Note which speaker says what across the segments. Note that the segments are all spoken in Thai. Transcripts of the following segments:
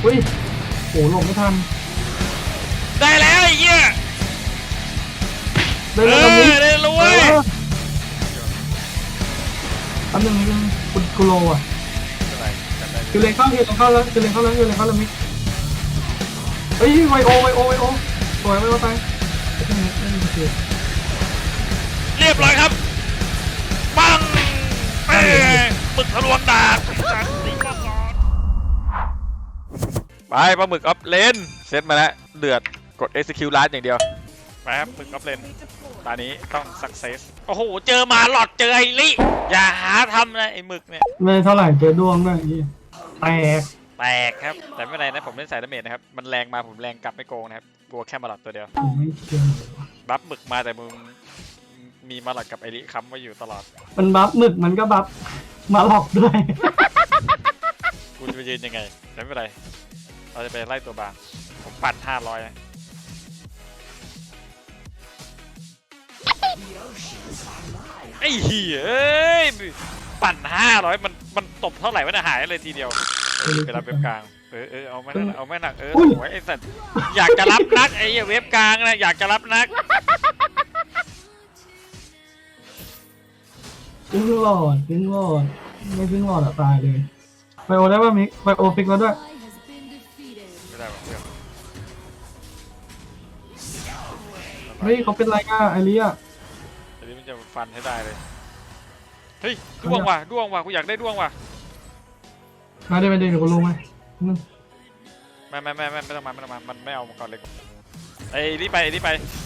Speaker 1: อุ้ยโอ้หลงไม่ทัน
Speaker 2: ได้แล้วไอ้เหี้ย
Speaker 1: ได้แล้วมิ
Speaker 2: ได้แล้วเว้ย
Speaker 1: อันหนึ่งคุณโลอ่ะคือเลนเข้าแล้วคือเลนเข้าแล้วมิเฮ้ยไวโอสวยไวโอตาย
Speaker 2: เรียบร้อยครับปังหมึกทะลวงดาบไปปลาหมึกออฟเลนเซตมาแล้วเดือดกด execute last อย่างเดียวไปครับหมึกออฟเลนตอนนี้ต้อง success โอ้โหเจอมาหลอดเจอไอ้ลิอย่าหาทำนะไอ้หมึกเนี่ย
Speaker 1: ไม่เท่าไหร่เจอดวงด้วยแตก
Speaker 2: ครับแต่ไม่เป็นไรนะผมเล่นสายดาเมจนะครับมันแรงมาผมแรงกลับไม่โกงนะครับกลัวแค่มาหลอดตัวเดียว
Speaker 1: ไม่เชื่อ
Speaker 2: บัฟหมึกมาแต่มึงมีมาหลอดกับไอ้ลิค้ำไว้อยู่ตลอด
Speaker 1: มันบัฟหมึกมันก็บัฟมาหลอกด้วย
Speaker 2: กูจะไปยืนยังไงแต่ไม่เป็นไรเราจะไปไล่ตัวบางผมปั่น500นะไอ้เหี้ยเอ้ยปั่น500มันตบเท่าไหร่มันหายเลยทีเดียวไปรับเว็บกลางเอาไม่หนักสวยไอ้สัตว์อยากจะรับนักไอ้เว็บกลางนะอยากจะรับนัก
Speaker 1: พึ่งหลอดไม่พึ่งหลอดตายเลยไบโอได้ป่ะมิกไบโอฟิกแล้วด้วย
Speaker 2: ไม่ได้เพื่อน
Speaker 1: เฮ้ยเขาเป็นไรกันไอริอะ
Speaker 2: อันนี้มันจะฟันให้ได้เลยเฮ้ยด้วงว่ะกูอยากได้ด้วงว่ะ
Speaker 1: มาได้เดี๋ยวกูรู้ไหม
Speaker 2: ไม่ต้องมามันไม่เอามาก่อนเลยไอ้นี่ไปไม่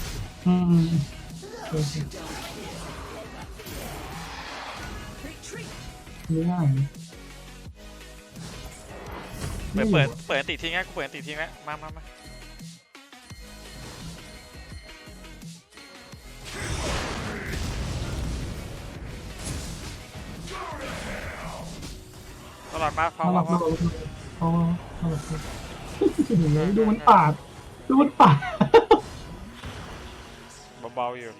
Speaker 1: ง่าย
Speaker 2: เปิดติทิ้งนะกูเปิดติทิ้งแล้วมาตลอดมาพอ
Speaker 1: ดูมันปาด
Speaker 2: เบาๆอยู่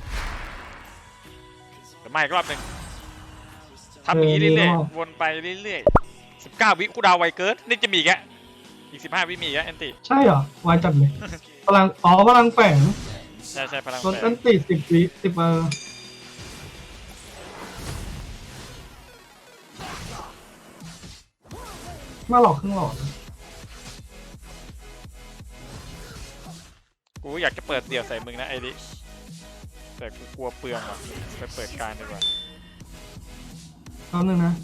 Speaker 2: แต่ไม่รอบหนึ่งทำอย่างนี้เรื่อยๆวนไปเรื่อยๆ19 วิกูดาวไวเกิร์ดนี่จะมีแกอีก15 วิมีแกแอนตี้
Speaker 1: ใช่เหรอวายจัดเลยพลังแฝง
Speaker 2: ใช่พลัง
Speaker 1: ลดแอนตี้10 วิมาหลอกครึ่งหลอด
Speaker 2: กูอยากจะเปิดเดี่ยวใส่มึงนะไอ้ดิแต่กูกลัวเปลืองว่ะไปเปิดการดีกว่า
Speaker 1: ตอนนึงนะ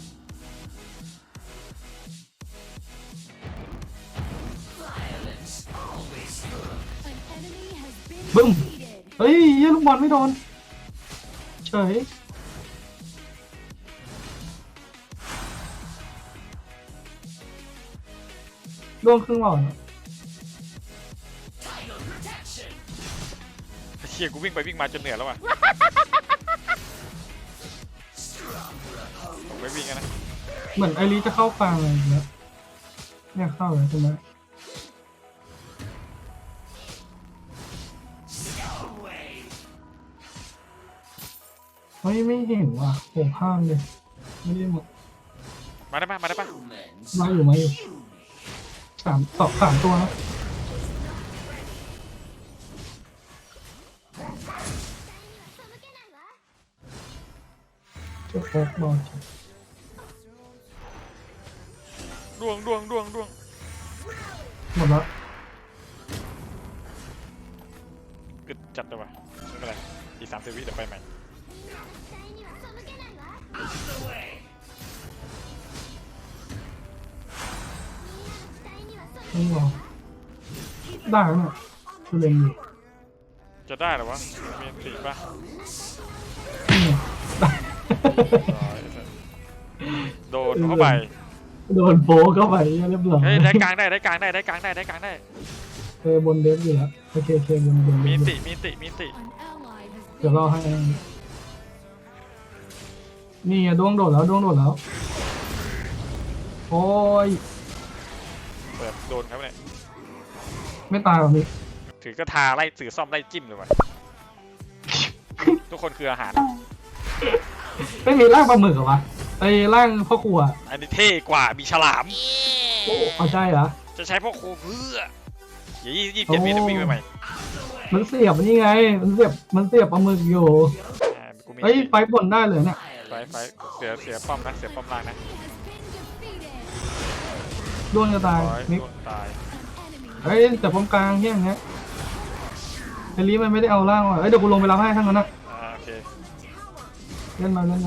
Speaker 1: บึ้มเฮ้ยยี่ลูกบอลไม่โดนเฉยดวงครึ่งหลอด
Speaker 2: เชี่ยกูวิ่งไปวิ่งมาจนเหนื่อยแล้วว่ะผมไม่วิ่งกันนะ
Speaker 1: เหมือนไอรีจะเข้ากลางอะไรอย่างเงี้ยเนี่ยเข้าเลยใช่ไหมไม่เห็นว่ะโผล่ข้างเลยไม่ได้หมด
Speaker 2: มาได้ปะ
Speaker 1: มาอยู่3 ตัวนะจะโฟกบอล
Speaker 2: ดวง
Speaker 1: หมดแล้ว
Speaker 2: กึดจัดเลยวะไม่เป็นไรอีก30 วิเดี๋ยวไปใหม่
Speaker 1: ไม่หรอได้แล้วเนี่ยคือเล็งอยู่
Speaker 2: จะได้หรอวะมีตีป่ะโดนเข้าไป
Speaker 1: โดนโบเข้าไปเรียบร้อย
Speaker 2: ได้กลางได้
Speaker 1: บนเดฟอยู่แล้วโอเคบน
Speaker 2: มีติ
Speaker 1: เดี๋ยวรอให้นี่ดวงโดดแล้วโอ้ย
Speaker 2: เปิดโดนครับเนี่ย
Speaker 1: ไม่ตายหรอมิ
Speaker 2: ถือกระทาไล่ถือซ่อมไล่จิ้มเลยวะทุกคนคืออาหาร
Speaker 1: ไม่มีร่างปลาหมึกเหรอวะไอ้ร่างพ่อครัว
Speaker 2: อันนี้เท่กว่ามีฉลาม
Speaker 1: โอ้ใช่เหรอ
Speaker 2: ใจะใช้พ่อครูเพื่ออย่า27 วิต้องวิ่งไปใหม่
Speaker 1: มันเสียบนี่ไงมันเสียบปลาหมึกอยู่
Speaker 2: กูมี
Speaker 1: เฮ้ยไฟบนได้เลยเนี่ย
Speaker 2: ไฟเสียป้อมนะเสียป้อมล่างนะ
Speaker 1: ดวงจะตาย
Speaker 2: ร้อย
Speaker 1: นิก
Speaker 2: โดนตาย
Speaker 1: เฮ้ยแต่ป้อมกลางเฮี้ยอย่างเงี้ยไอรีมันไม่ได้เอาล่างว่ะเฮ้ยเดี๋ยวกูลงไปรับให้ทั้งนั้นนะ
Speaker 2: โอเค
Speaker 1: เล่นมา
Speaker 2: เห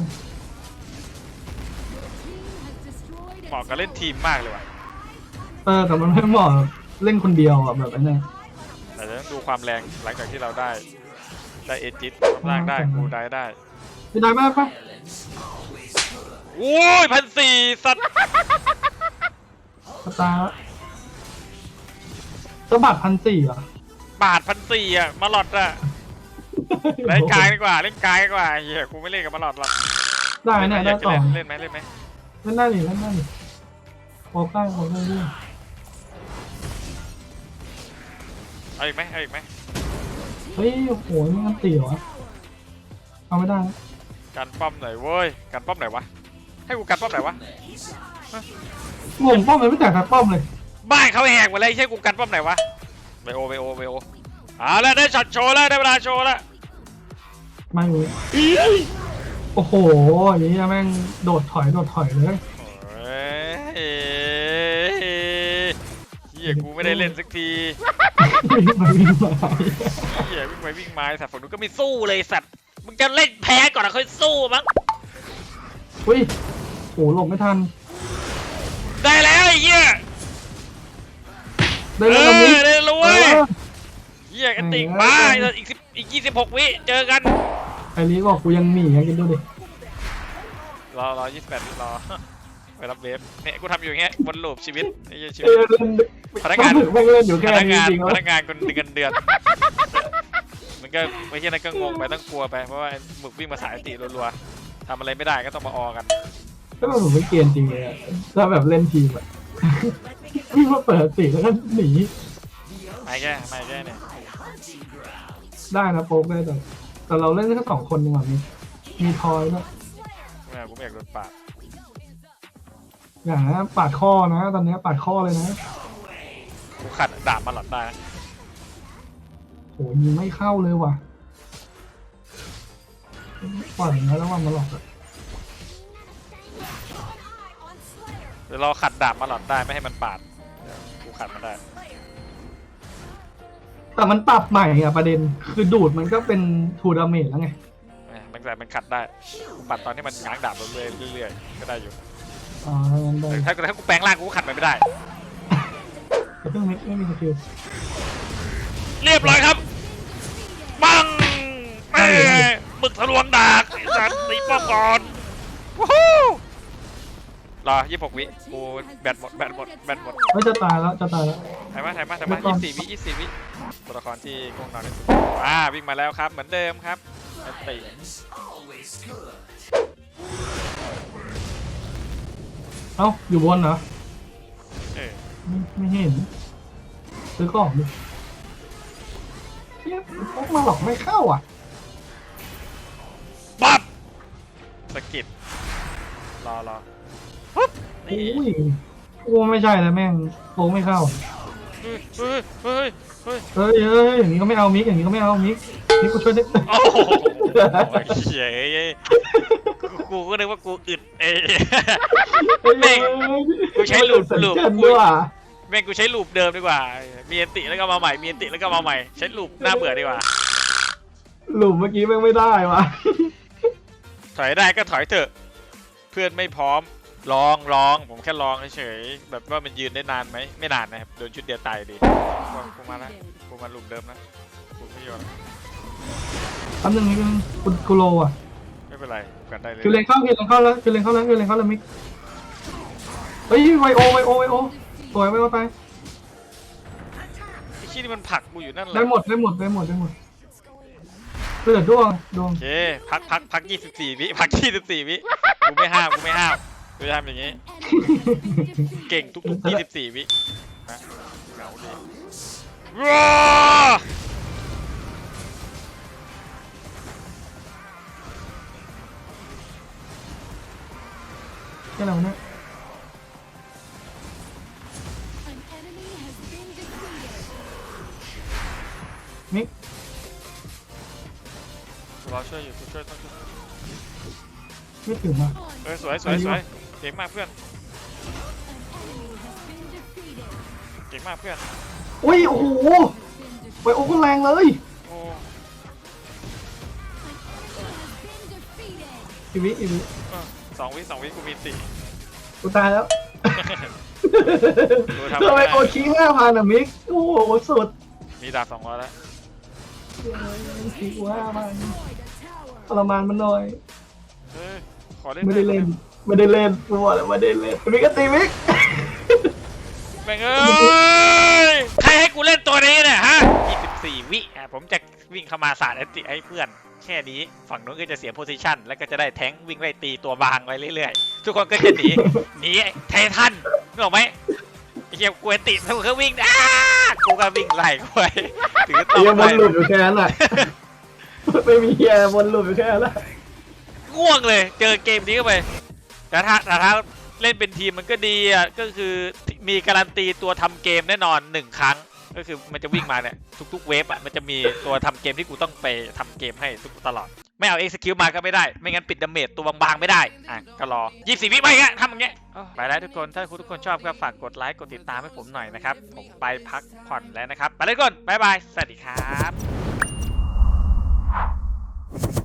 Speaker 2: มาะกับเล่นทีมมากเลยว่ะ
Speaker 1: แต่มันไม่เหมาะเล่นคนเดียวอ่ะแบบไอ้เนี่ย
Speaker 2: แต่จะต้องดูความแรงหลังจากที่เราได้เอจิตล่างได้กูได้
Speaker 1: ไม่ได้ไหมปะ
Speaker 2: โอ้ย1,400สัตว์
Speaker 1: ตาสะบัด1,400อ่ะ
Speaker 2: บาท1,400อ่ะมาหลอดอ่ะเล่นกลางดีกว่าเล่นกลางดีกว่าเฮียกูไม่เล่นกับมาหลอดหรอก
Speaker 1: ได้เนี่ยได้ต่อ
Speaker 2: เล่นไหม
Speaker 1: เล่นได้ดิโอเคโอเคด้วย
Speaker 2: เอาอีกไหม
Speaker 1: เฮ้ยโอ้โหนี่มันตีเหรอเอาไม่ได้นะ
Speaker 2: กันป้อมหน่อยเว้ยกันป้อมไหนวะให้กูกันป้อมไหนวะ
Speaker 1: งงป้อมเลยไม่แตกทัดป้อมเลย
Speaker 2: บ้านเขาแหกหมดเลยใช่กูกันป้อมไหนวะไบโอแล้วได้ช็อตโชว์แล้วได้เวลาโชว์แล้ว
Speaker 1: ไม่รู้โอ้โหอย่างนี้แม่งโดดถอยเลย
Speaker 2: เฮียกูไม่ได้เล่นสักที
Speaker 1: วิ่งมา
Speaker 2: เฮียวิ่งมาสัตว์ฝั่งนู้นก็ไม่สู้เลยสัตว์มึงจะเล่นแพ้ก่อนนะค่อยสู้มั้ง
Speaker 1: อุ้ยโอ้หลบไม่ทัน
Speaker 2: ได้แล้วไอ้เฮีย
Speaker 1: ได้แล้วนี้
Speaker 2: ได้รู้เว้ยเฮียกันติ่งมาอีก26 วิเจอกัน
Speaker 1: ไอ้นี้บอกกูยังหนีกินดูดิ
Speaker 2: รอ28 วิรอไปรับเวฟเนี่ยกูทำอยู่อย่างเงี้ยวนลูปชีวิตไอ้ชีวิตพนักงาน
Speaker 1: ไม่เล่นอยู่แค่นี้จริง
Speaker 2: พนักงานคนเงินเดือนมันก็ไม่ใช่นั่นก็งงไปต้องกลัวไปเพราะว่าหมึกวิ่งมาสายตีรัวๆทำอะไรไม่ได้ก็ต้องมาออกัน
Speaker 1: ก็ผมไม่เกณฑ์จริงเลยถ้าแบบเล่นทีมอะวิ่งมาเปิดตีแล้วก็หนี
Speaker 2: ไม่แก้เนี่ย
Speaker 1: ได้นะโป๊กได้แต่เราเล่นแค่2 คนดีกว่ามีทอยด้วย
Speaker 2: กูไม่อยากโดนปาด
Speaker 1: อย่างนะปาดข้อนะตอนนี้ปาดข้อเลยนะ
Speaker 2: กูขัดดาบมาหลอดได้นะ
Speaker 1: โหยิงไม่เข้าเลยว่ะปล่อยนะแล้วว่ามาหลอก
Speaker 2: เดี๋ยวเราขัดดาบมาหลอดได้ไม่ให้มันปาดกูขัดมันได้
Speaker 1: แต่มันปรับใหม่อะประเด็นคือดูดมันก็เป็นทูดาเมจแล้วไง
Speaker 2: มันขัดได้กูปัดตอนที่มันง้างดาบเรื่อยๆก็ได้อยู่
Speaker 1: อ๋องั้นได้
Speaker 2: แต่ถ้ากูแปลงร่างกูก็ขัดมันไม่ได้
Speaker 1: แต่เครื่องนี้ไม่มีสกิล
Speaker 2: เรียบร้อยครับปังหมึกทะลวงดาบไอ้สัตว์ตีป้อมก่อนวู้ฮู้รอ26 วิกูแบตหมด
Speaker 1: ไม่จะตายแล้ว
Speaker 2: ถ่ายมา24 วิตัวละครที่ง่วงนอนที่สุดวิ่งมาแล้วครับเหมือนเดิมครับแอนตี้
Speaker 1: เอ้าอยู่บนเหรอ ไม่เห็นซื้อกล่องดิเนี่ยพกมาหลอกไม่เข้าอ่ะ
Speaker 2: ปั๊บสกิดรอปุ๊บ
Speaker 1: โอ้ยโอ้ไม่ใช่แล้วแม่งโปไม่เข้า
Speaker 2: เฮ้ย
Speaker 1: อย่างนี้ก็ไม่เอามิกมิกกูช่วยได้
Speaker 2: โอ้โหเฉยกูก็นึกว่ากูอึดแม่งกูใช้ลูปแม่งกูใช้ลูปเดิมดีกว่ามีอันติแล้วก็มาใหม่ใช้ลูปน่าเบื่อดีกว่า
Speaker 1: หลุมเมื่อกี้แม่งไม่ได้วะ
Speaker 2: ถอยได้ก็ถอยเถอะเพื่อนไม่พร้อมลองผมแค่ลองเฉยแบบว่ามันยืนได้นานไหมไม่นานนะครับโดนชุดเดียวตายดีกูมาแล้วกูมาลูปเดิมนะกูไม่ยอม
Speaker 1: แป๊บนึงกูโลอ่ะ
Speaker 2: ไม่เป็นไรกันได้เลย
Speaker 1: คือเลนเข้าแล้วมิกเฮ้ยไวโอสวยไวโอไป
Speaker 2: ไอ้ขี้นี่มันผลักกูอยู่นั่นแหละ
Speaker 1: ได้หมดเเหลือดวง
Speaker 2: โอเคพัก24 วิพัก24 วิกูไม่ห้ามกูจะทำอย่างงี้เก่งทุก24 วินะเหงาดีว้า
Speaker 1: แค่เราเนี่ยมิก
Speaker 2: กูรอช่วยอยู่กูช่วยต้องช่วย
Speaker 1: ไม่ถึงอ่ะ
Speaker 2: สวยสวยสวยเก่งมากเพื่อนเก่งมากเพื่อน
Speaker 1: อุ้ยโอ้โหไวโอก็แรงเลย
Speaker 2: โอ้
Speaker 1: อีวิ
Speaker 2: 2 วิกูมี4
Speaker 1: กูตายแล้ว
Speaker 2: ดูทำ
Speaker 1: ทำไม
Speaker 2: ไม่
Speaker 1: โอ
Speaker 2: ได้
Speaker 1: ชี้5,000อ่ะมิกโอ้โหสุด
Speaker 2: มีดาบ200แล้ว
Speaker 1: ชี้กู5,000ทรมานมันหน่อย
Speaker 2: เฮ้ยขอเล่น
Speaker 1: ไม่ได้เล่นกูบอกแล้วไม่ได้เล่นมิกก็ตีมิก
Speaker 2: แม่งเอ้ยใครให้กูเล่นตัวนี้เนี่ยฮะ24 วิผมจะวิ่งเข้ามาสาดแอนติให้เพื่อนแค่นี้ฝั่งนู้นก็จะเสียโพซิชันแล้วก็จะได้แท้งวิ่งไล่ตีตัวบางไปเรื่อยๆทุกคนก็จะหนีไททันนึกออกไหมไอ้เหี้ยกูแอนติทุกคนก็วิ่งกูก็วิ่งไล่กูไปถือต้อ
Speaker 1: เฮีย
Speaker 2: ง
Speaker 1: บนหลุดอยู่แค่นั้นแหละไม่มีเฮียบนหลุดอยู่แค่นั้นแหละ
Speaker 2: ง่วงเลยเจอเกมนี้เข้าไปแต่ถ้าเล่นเป็นทีมมันก็ดีอ่ะก็คือมีการันตีตัวทำเกมแน่นอน1 ครั้งก็คือมันจะวิ่งมาเนี่ยทุกๆเวฟอ่ะมันจะมีตัวทำเกมที่กูต้องไปทำเกมให้ทุกตลอดไม่เอาexecuteมาก็ไม่ได้ไม่งั้นปิดดาเมจตัวบางๆไม่ได้อ่ะก็รอ24 วิไปงั้นทำอย่างเงี้ยไปแล้วทุกคนถ้าคุณทุกคนชอบก็ฝากกดไลค์กดติดตามให้ผมหน่อยนะครับผมไปพักผ่อนแล้วนะครับไปเลยทุกคนบ๊ายบายสวัสดีครับ